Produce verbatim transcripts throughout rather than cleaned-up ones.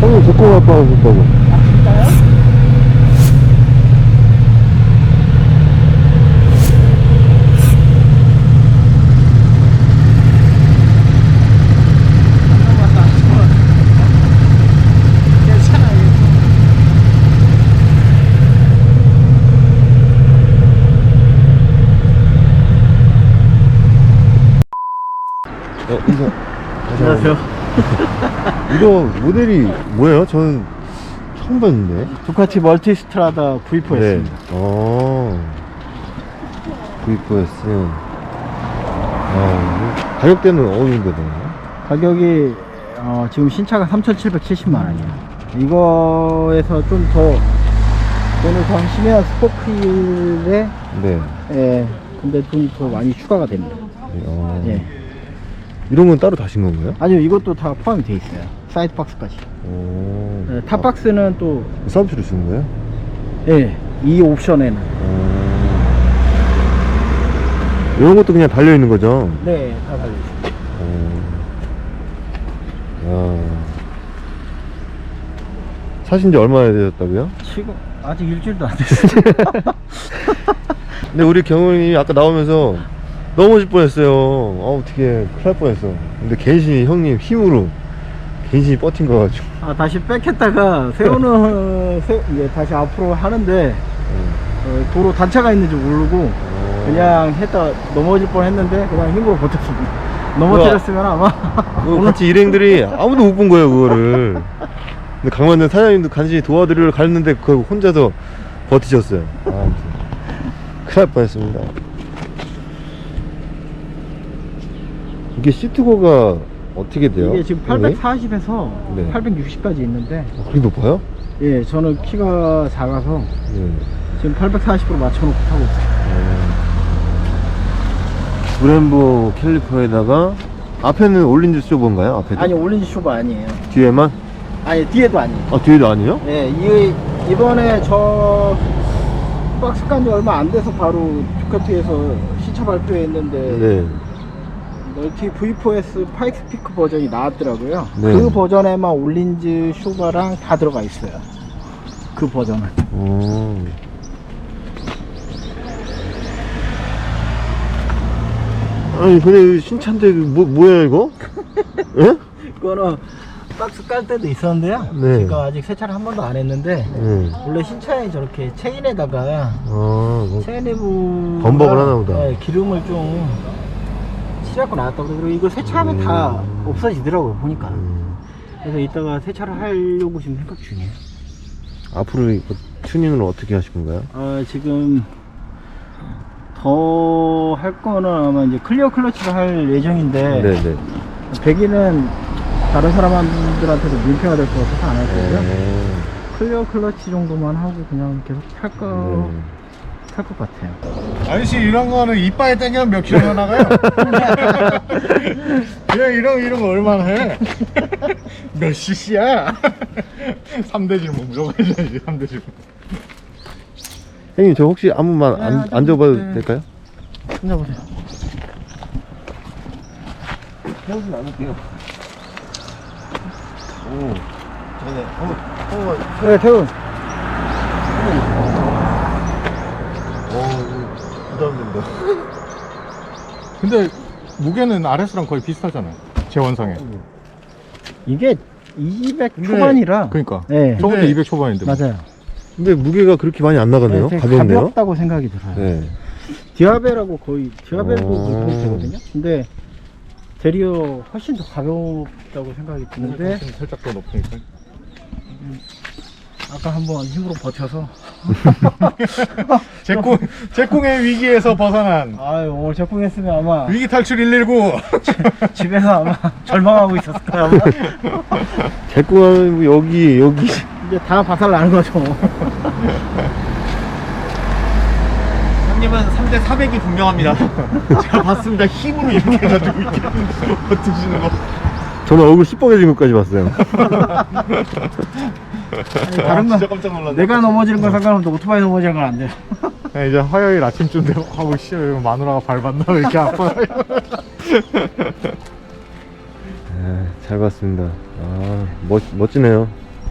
형님 데리고 갈 뻔 하셨다고. 아, 진짜요? 어, 인사. 안녕하세요. 이거 모델이 뭐예요? 저는 처음 봤는데. 두카티 멀티스트라다 브이 포였습니다. 네. 어. 브이 포에스. 아, 가격대는 어느 정도 되나요? 가격이 어, 지금 신차가 삼천칠백칠십만 원이에요. 이거에서 좀 더 돈을 더 하시면 스포크힐에 네. 예, 근데 돈이 더 많이 추가가 됩니다. 어. 예. 이런 건 따로 다신 건가요? 아니요, 이것도 다 포함이 돼 있어요. 사이드 박스까지. 오. 예, 탑박스는 또 아, 서비스로 주는 거예요? 예, 이 옵션에는 어. 이런 것도 그냥 달려 있는 거죠? 네, 다 달려 있어요. 어. 야. 사신 지 얼마나 되셨다고요? 지금 아직 일주일도 안 됐어요. 근데 우리 경훈이 아까 나오면서 넘어질 뻔했어요. 어, 어떻게 큰일 날 뻔했어. 근데 괜시히 형님 힘으로 괜시히 버틴 거 가지고. 아, 다시 뺏겼다가 세우는 세, 이제 다시 앞으로 하는데 어, 도로 단차가 있는지 모르고 어. 그냥 했다 넘어질 뻔 했는데 그냥 힘으로 버텼습니다. 넘어뜨렸으면 아마 그 같이 일행들이 아무도 못 본 거예요, 그거를. 근데 강만대 사장님도 간신히 도와드리러 갔는데 그거 혼자서 버티셨어요. 아, 아무튼 큰일 날 뻔했습니다. 이게 시트고가 어떻게 돼요? 이게 지금 팔백사십에서 네. 팔백육십까지 있는데 아, 그게 높아요? 예, 저는 키가 작아서 네. 지금 팔백사십으로 맞춰놓고 타고 있어요. 어. 브렘보 캘리퍼에다가 앞에는 올린즈 쇼버인가요? 앞에도? 아니, 올린지 쇼바 아니에요. 뒤에만? 아니, 뒤에도 아니에요. 아, 뒤에도 아니에요? 예, 이, 이번에 저 박스 깐지 얼마 안 돼서 바로 두카티에서 신차 발표했는데 네. 멀티 브이 포에스 파이크 스피커 버전이 나왔더라고요. 네. 그 버전에만 올린즈 쇼바랑 다 들어가 있어요. 그 버전은. 어. 아니, 근데 신차인데 뭐, 뭐야 이거? 예? 그거는 박스 깔 때도 있었는데요. 네. 제가 아직 세차를 한 번도 안 했는데 네. 원래 신차에 저렇게 체인에다가 아, 뭐. 체인 내부 범벅을 하나 보다. 네, 기름을 좀 칠하고 나왔다고 그러고 이거 세차하면 음. 다 없어지더라고요, 보니까. 음. 그래서 이따가 세차를 하려고 지금 생각 중이에요. 앞으로 이거 튜닝을 어떻게 하실 건가요? 어, 지금 더 할 거는 아마 이제 클리어 클러치를 할 예정인데 네네. 배기는 다른 사람들한테도 민폐가 될 것 같아서 안 할 거고요. 네. 클리어 클러치 정도만 하고 그냥 계속 탈 거, 네. 탈 것 같아요. 아저씨 이런 거는 이빨에 땡기면 몇 킬로나 나가요? 그냥 이런 이런 거 얼마나 해? 몇 씨씨야? 삼 대 질문 무조건 해줘야지. 삼 대 질문. 형님 저 혹시 한 번만 안, 네, 앉아봐도 네. 될까요? 앉아보세요. 태우진 않을게요. 오, 전에 한번 한번. 네, 태훈. 어, 부담된다. 근데 무게는 아레스랑 거의 비슷하잖아요. 제 원상에. 이게 이백 근데- 초반이라. 그러니까. 네. 저것도 근데- 이백 초반인데. 뭐. 맞아요. 근데 무게가 그렇게 많이 안 나가네요. 되게 가볍네요. 가볍다고 생각이 들어요. 네. 디아벨하고 거의 디아벨도 어. 그 정도 되거든요. 근데 대리어 훨씬 더 가볍다고 생각이 드는데 좀 살짝 더 높으니까. 아까 한번 힘으로 버텨서 제꿈 제꿈의 위기에서 벗어난 아유, 오늘 적응했으면 아마 위기 탈출 일일구. 집에서 아마 절망하고 있었을 거야. 아마. 제꾸하면 여기 여기. 이제 다 바살 나는 거죠. 형님은 삼 대 사백이 분명합니다. 제가 봤습니다. 힘으로 이렇게 해가지고 이렇게 버티시는 거. 저는 얼굴 시뻘개진 것까지 봤어요. 아니, 다른 건 진짜 깜짝 놀랐네. 내가 넘어지는 건 상관없는데 오토바이 넘어지는 건 안 돼요. 네, 이제 화요일 아침쯤 되고 하고 씨 마누라가 밟았나 왜 이렇게 아파. 네, 잘 봤습니다. 아, 멋, 멋지네요.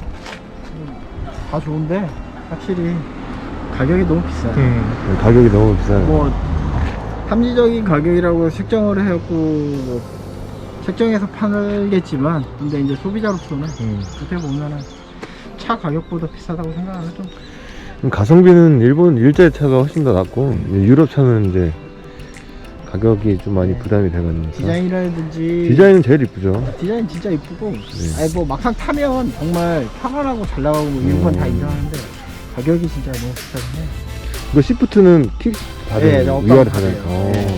다 좋은데 확실히 가격이 너무 비싸요. 음. 가격이 너무 비싸요. 뭐 합리적인 가격이라고 책정을 해갖고 뭐 책정해서 팔겠지만, 근데 이제 소비자로서는 음. 어떻게 보면은 차 가격보다 비싸다고 생각하면 좀 그럼 가성비는 일본 일제 차가 훨씬 더 낫고 유럽 차는 이제 가격이 좀 많이 네. 부담이 되거든요. 디자인이라든지 디자인은 제일 이쁘죠. 디자인 진짜 이쁘고, 네. 아니 뭐 막상 타면 정말 편안하고 잘 나가고 뭐 이런 건 다 음. 인정하는데 가격이 진짜 너무 비싸긴 해. 이거 시프트는 킥 다 네, 되는 업다운 위아래 다 다 되는. 돼요. 어. 네.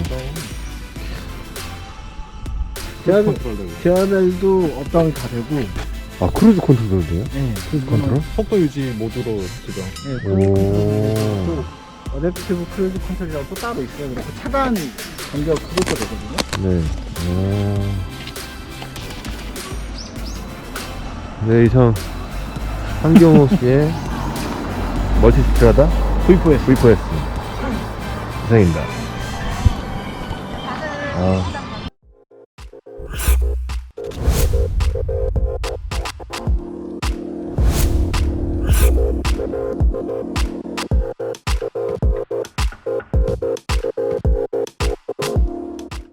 제어벨, 제어벨도 업다운이 다 되고, 아 크루즈 컨트롤도 돼요? 네, 크루즈 컨트롤? 속도 유지 모드로 지금. 네, 오. 크루즈 컨트롤도 어댑티브 크루즈 컨트롤이라고 또 따로 있어요. 그리고 차단 간격 그것도 되거든요. 네. 오. 네, 이상 한경호 씨의 멀티스트라다 브이 포 에스 브이 포 에스 이상입니다. 아.